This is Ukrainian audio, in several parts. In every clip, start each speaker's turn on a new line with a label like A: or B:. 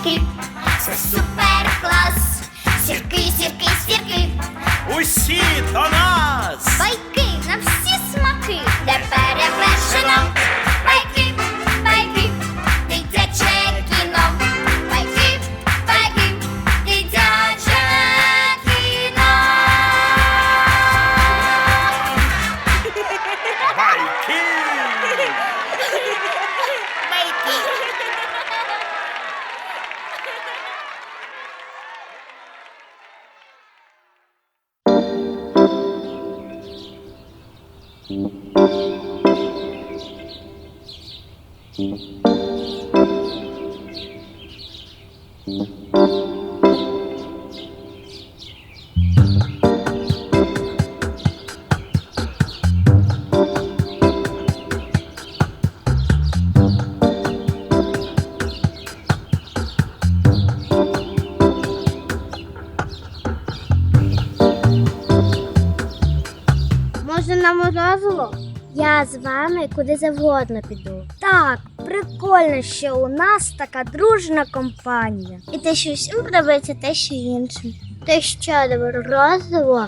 A: сірки, це супер клас. Сірки, сірки, сірки,
B: Усі до нас!
A: байки на всі смаки, де перевершено. Байки, байки, дитяче кіно. Байки, байки, дитяче кіно.
B: Байки!
C: Може, на морозиво? Я з вами куди завгодно піду. Так, прикольно, що у нас така дружна компанія. І те, що всім подобається, те, що іншим. Те, що до морозиво?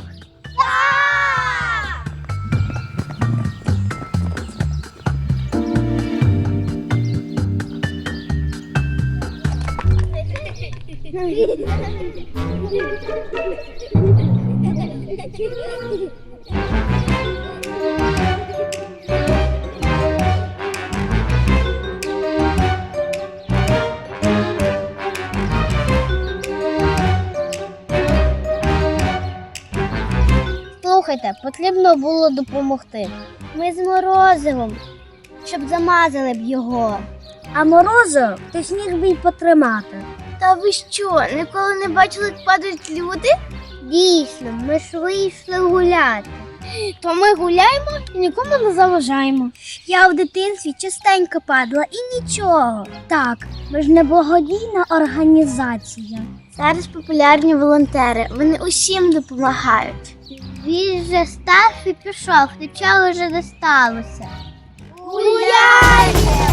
C: Слухайте, потрібно було допомогти. Ми з морозивом, щоб замазали б його. А морозиво ти ж міг би й потримати. Та ви що, ніколи не бачили, як падають люди? Дійсно, ми ж вийшли гуляти. То ми гуляємо і нікому не заважаємо. Я в дитинстві частенько падала і нічого. Так, ми ж не благодійна організація. Зараз популярні волонтери, вони усім допомагають. Він же став і пішов, нічого вже не сталося. Гуляйте!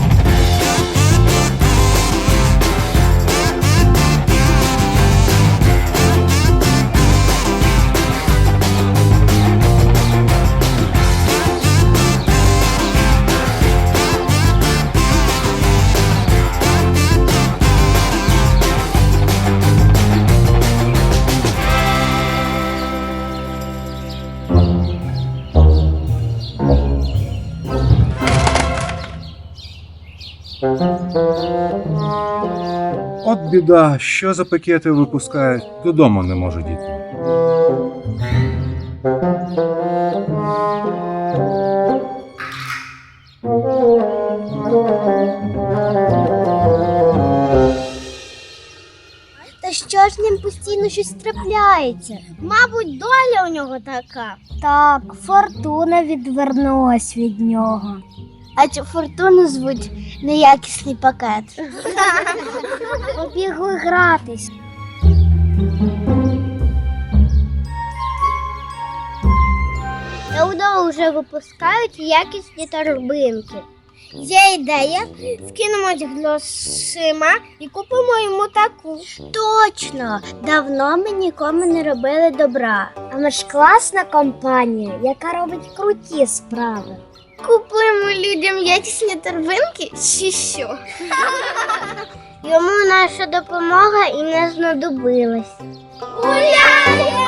D: От біда, що за пакети випускають, додому не може діти.
C: Та що ж з ним постійно щось трапляється? Мабуть, доля у нього така. Так, фортуна відвернулась від нього. А цю фортуну звуть неякісний пакет. Побігли гратись. Давно вже випускають якісні торбинки. Є ідея, скинемось грошима і купимо йому таку. Точно! Давно ми нікому не робили добра. А ми ж класна компанія, яка робить круті справи. Купуємо людям якісні торбинки чи що? Йому наша допомога і не знадобилась. Гуляємо!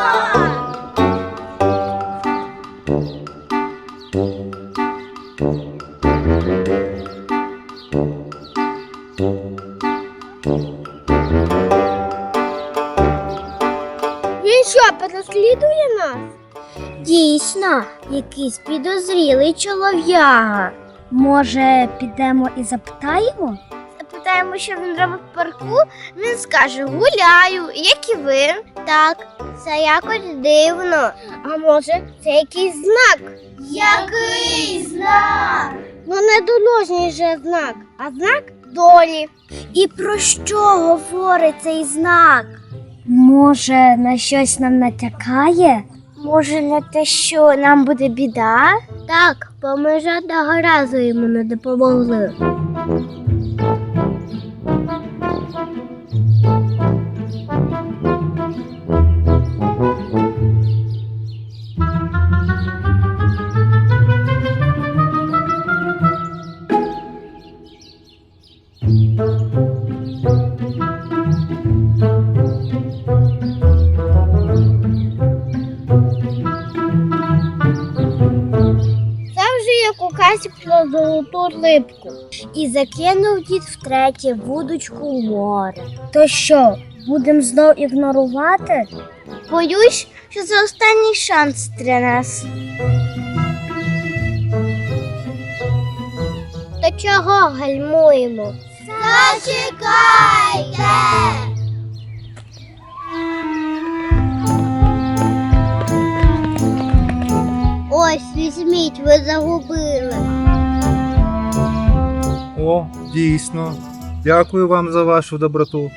C: Він що, переслідує нас? Дійсно, якийсь підозрілий чолов'яга. Може, підемо і запитаємо? Запитаємо, що він робить в парку, він скаже: гуляю, як і ви. Так, це якось дивно. А може, це якийсь знак? Який знак? Ну, не дорожній же знак, а знак долі. І про що говорить цей знак? Може, на щось нам натякає? Може, на те, що нам буде біда? Так, бо ми жодного разу йому не допомогли. золоту рибку. І закинув дід втретє вудочку в море. То що, будемо знов ігнорувати? Боюсь, що це останній шанс для нас. Та чого гальмуємо?
A: Зачекайте!
C: Ось, візьміть, ви загубили.
D: О, дійсно. Дякую вам за вашу доброту.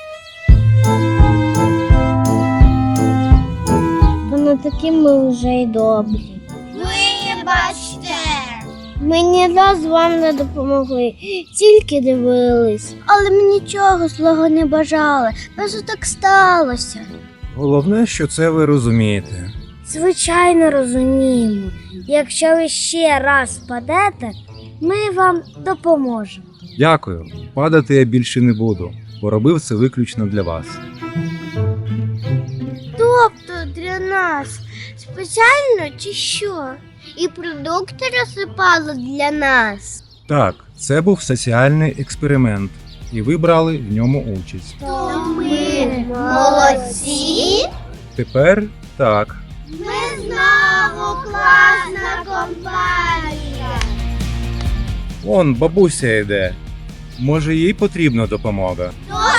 C: Воно такі ми вже й добрі.
A: Вибачте!
C: Ми ні разу вам не допомогли, тільки дивились. Але ми нічого злого не бажали, просто так сталося.
D: Головне, що це ви розумієте.
C: Звичайно, розуміємо. Якщо ви ще раз впадете, ми вам допоможемо.
D: Дякую. Падати я більше не буду, бо робив це виключно для вас.
C: Тобто для нас спеціально чи що? І продукти розсипали для нас.
D: Так, це був соціальний експеримент, і ви брали в ньому участь.
A: То ми молодці?
D: Тепер так.
A: Ми знову класна компанія.
D: Вон бабуся йде. Може, їй потрібна допомога.
A: То